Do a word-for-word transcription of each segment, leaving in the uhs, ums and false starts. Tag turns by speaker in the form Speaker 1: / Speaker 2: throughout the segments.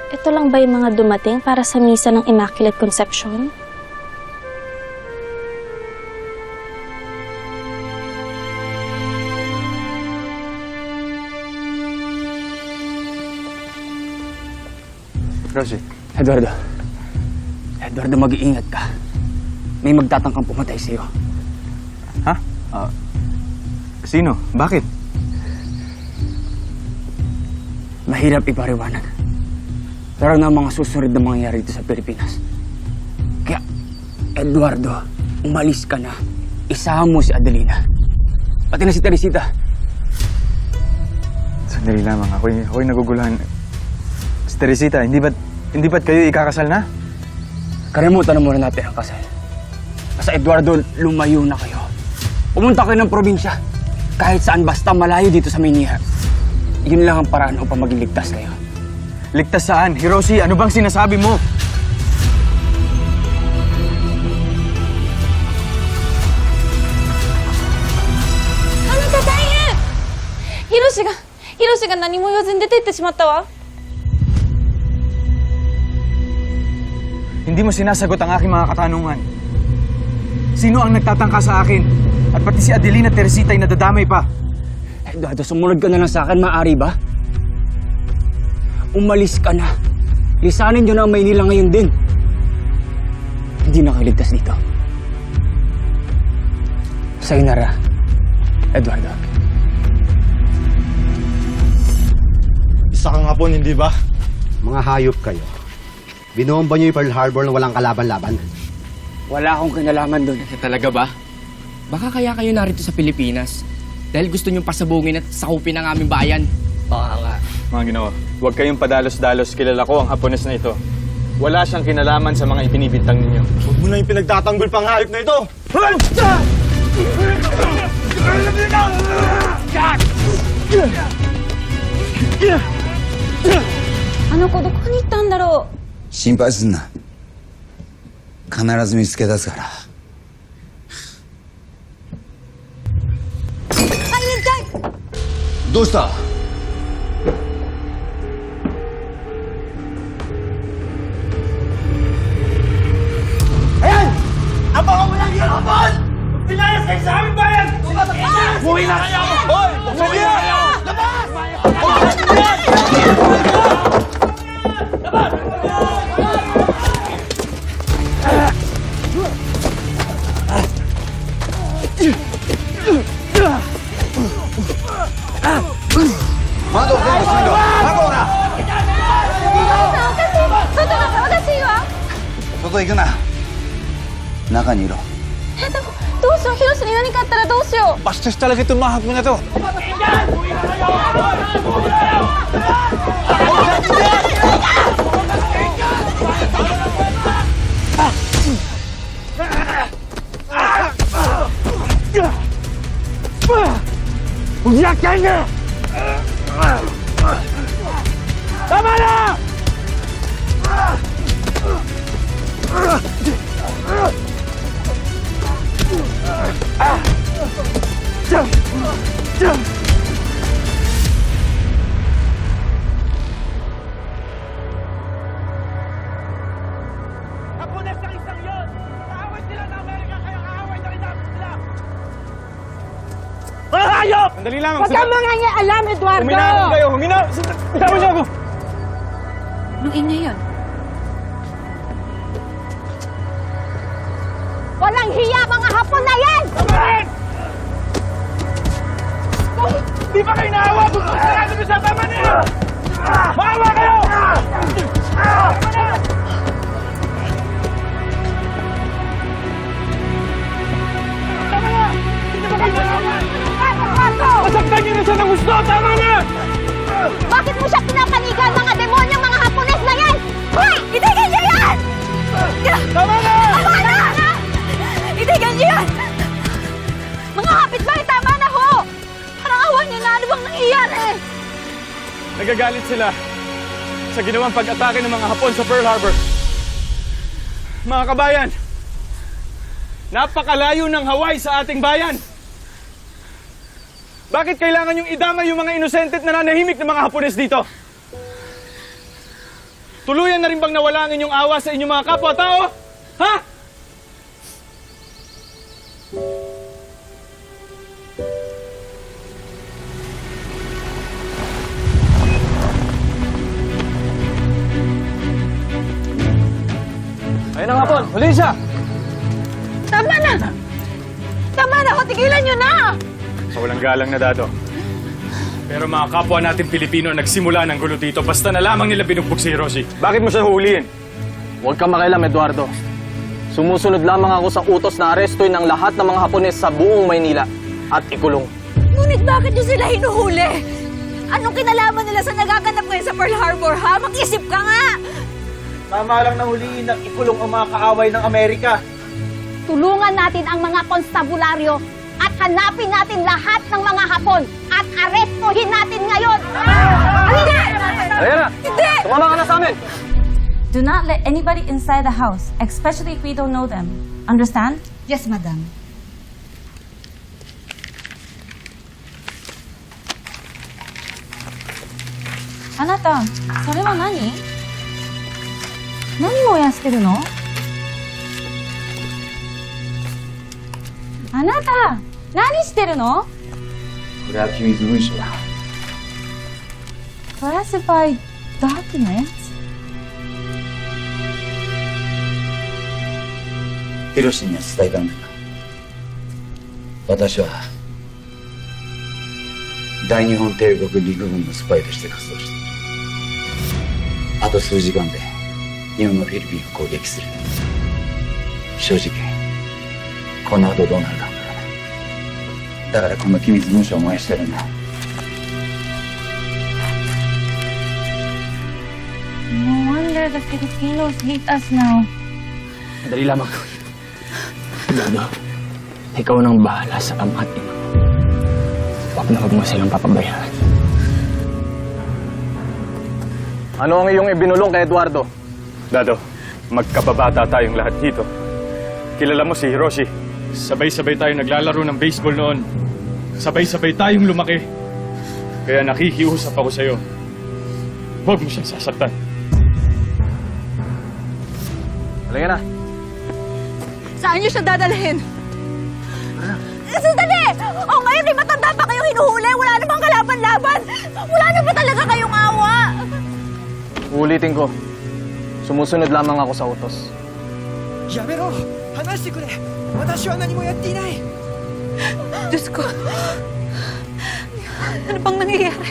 Speaker 1: Ito lang ba yung mga dumating para sa misa ng Immaculate Conception?
Speaker 2: Rosie.
Speaker 3: Eduardo. Eduardo, mag-iingat ka. May magtatangkang pumatay sa'yo.
Speaker 2: Ha? Uh, sino? Bakit?
Speaker 3: Mahirap ipariwanag. Pero na mga susunod na mangyayari dito sa Pilipinas. Kaya, Eduardo, umalis ka na. Isama mo si Adelina. Pati na si Teresita.
Speaker 2: Sandali lamang. Ako'y, ako'y naguguluhan. Si Teresita, hindi ba't, hindi ba't kayo ikakasal na?
Speaker 3: Kalimutan na muna natin ang kasal. Basta Eduardo, lumayo na kayo. Pumunta kayo ng probinsya. Kahit saan, basta malayo dito sa Maynila. Yun lang ang paraan upang maging ligtas kayo.
Speaker 2: Ligtas saan? Hiroshi, ano bang sinasabi mo?
Speaker 4: Ano ka, daien! Hiroshi ga, Hiroshi ga nani mo iwazu ni dete itte shimatta wa.
Speaker 2: Hindi mo sinasagot ang aking mga katanungan. Sino ang nagtatangka sa akin? At pati si Adelina Teresita ay nadadamay pa.
Speaker 3: Eduardo, sumunod ka na lang sa akin, maaari ba? Umalis ka na. Lisanin nyo na ang Maynila ngayon din. Hindi na kayo ligtas dito. Sayonara, Eduardo.
Speaker 5: Isa ka nga po, hindi ba?
Speaker 6: Mga hayop kayo. Binomba niyo yung Pearl Harbor na walang kalaban-laban.
Speaker 3: Wala akong kinalaman doon.
Speaker 7: Talaga ba? Baka kaya kayo narito sa Pilipinas dahil gusto niyong pasabungin at sakupin ang aming bayan.
Speaker 3: Baka nga.
Speaker 2: Mga Ginoo, huwag kayong padalos-dalos. Kilala ko ang Hapones na ito. Wala siyang kinalaman sa mga ibinibintang ninyo.
Speaker 5: Huwag mo na yung pinagtatanggol pang hayop na ito!
Speaker 4: Ano ko, doko ni ittaんだろう。
Speaker 8: 心配すんな。必ず見つけ出すから。どうした？
Speaker 6: 窓を全部閉めろ。窓をな。
Speaker 8: 外行くな。中にいろ。
Speaker 4: え、でも、どうしよう、ヒロシに何かあったらどうしよう。
Speaker 5: Bastos talaga itong mga hapon na to. Uyakan na! Tama na! Hapones ng isang yun! Kaaway sila ng Amerika, kaya kaaway na rin namin sila! Mga hayop!
Speaker 2: Sandali lamang.
Speaker 4: Huwag kang mga niya alam, Eduardo!
Speaker 2: Huminahon kayo! Huminahon! Bitawan niyo ako!
Speaker 4: Anong ingay yun? Walang hiya mga Hapon na yan!
Speaker 2: Bakit? Di ba kayo naawa? Sarado mo sa tama na yan! Maawa kayo! Tama na! Tama na! Hindi ba kayo naawa? Masaktan niyo na siya ng gusto! Tama na!
Speaker 4: Bakit mo siya pinapanigan mga demonyong mga Hapones na yan? Hoy! Itigil niyo yan!
Speaker 2: Tama na!
Speaker 4: Tama na! Itigil niyo yan! Mga kapitbahay, tama na ho! Parang awan niyo na, ano bang nangyayari?
Speaker 2: Nagagalit sila sa ginawang pag-atake ng mga Hapon sa Pearl Harbor. Mga kabayan, napakalayo ng Hawaii sa ating bayan. Bakit kailangan yung idamay yung mga inosente at nananahimik ng mga Hapones dito? Tuluyan na rin bang nawala ang inyong awa sa inyong mga kapwa-tao? Ha? Ayun na nga po, huli siya!
Speaker 4: Tama na! Tama na ho! Tigilan nyo na!
Speaker 2: Sa walang galang na, Dado. Pero mga kapwa natin Pilipino ang nagsimula ng gulo dito basta na lamang nila binugbog si Hiroshi. Bakit mo siya huhulihin?
Speaker 9: Huwag kang makialam, Eduardo. Sumusunod lamang ako sa utos na arestuin ng lahat ng mga Hapones sa buong Maynila at ikulong.
Speaker 4: Ngunit bakit nyo sila hinuhuli? Anong kinalaman nila sa nagaganap ngayon sa Pearl Harbor, ha? Mag-isip ka nga!
Speaker 5: Tama lang na huliin ng ikulong ang mga kaaway ng Amerika.
Speaker 10: Tulungan natin ang mga konstabularyo at hanapin natin lahat ng mga Hapon at arestuhin natin ngayon!
Speaker 4: Hindi!
Speaker 9: Ayan na!
Speaker 4: Hindi!
Speaker 9: Tumama ka na sa amin!
Speaker 11: Do not let anybody inside the house, especially if we don't know them. Understand?
Speaker 10: Yes, madam.
Speaker 11: Anata, それは何? 何燃やしてるの? あなた、何してるの?
Speaker 8: これは機密文書だ。
Speaker 11: Classified documents?
Speaker 8: ヒロシには伝えたんだが、私は大日本帝国陸軍のスパイとして活動している。あと数時間で日本のフィリピンを攻撃する。正直この後どうなるかわからない。だからこの機密文書を燃やしてるんだ。
Speaker 11: No wonder the Filipinos hate us now.
Speaker 3: Madali lamang. Dado, ikaw nang bahala sa ama at ina mo. Huwag na huwag mo silang papabayaan.
Speaker 9: Ano ang iyong ibinulong kay Eduardo?
Speaker 2: Dado, magkababata tayong lahat dito. Kilala mo si Hiroshi. Sabay-sabay tayong naglalaro ng baseball noon. Sabay-sabay tayong lumaki. Kaya nakikiusap ako sa'yo. Huwag mo siyang sasaktan.
Speaker 9: Halika na.
Speaker 4: Saan nyo siya dadalhin? Sandali! O ngayon, may matanda pa kayong hinuhuli. Wala namang kalaban-laban. Wala na ba talaga kayong awa?
Speaker 9: Ulitin ko. Sumusunod lamang ako sa utos.
Speaker 5: やめろ話してくれ私は何もやっていない
Speaker 4: Diyos ko. Ano bang nangyayari?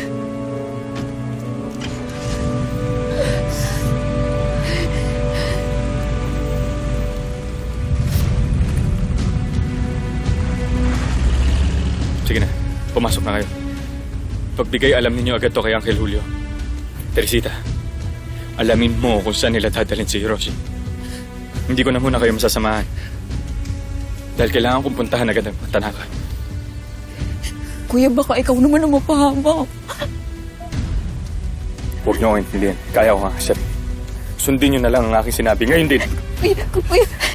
Speaker 2: Sige na, pumasok na kayo. Pagbigay alam ninyo agad to kay Uncle Julio. Teresita, alamin mo kung saan nila dadalhin si Hiroshi. Hindi ko na muna kayo masasamahan. Dahil kailangan kong puntahan agad ang Tanaka.
Speaker 4: Kuya, baka ikaw naman ang mapahamak.
Speaker 2: Huwag niyo akong intindihan. Kaya ko nga, Chef. Sundin niyo na lang ang aking sinabi. Ngayon din.
Speaker 4: Kuya, kuya.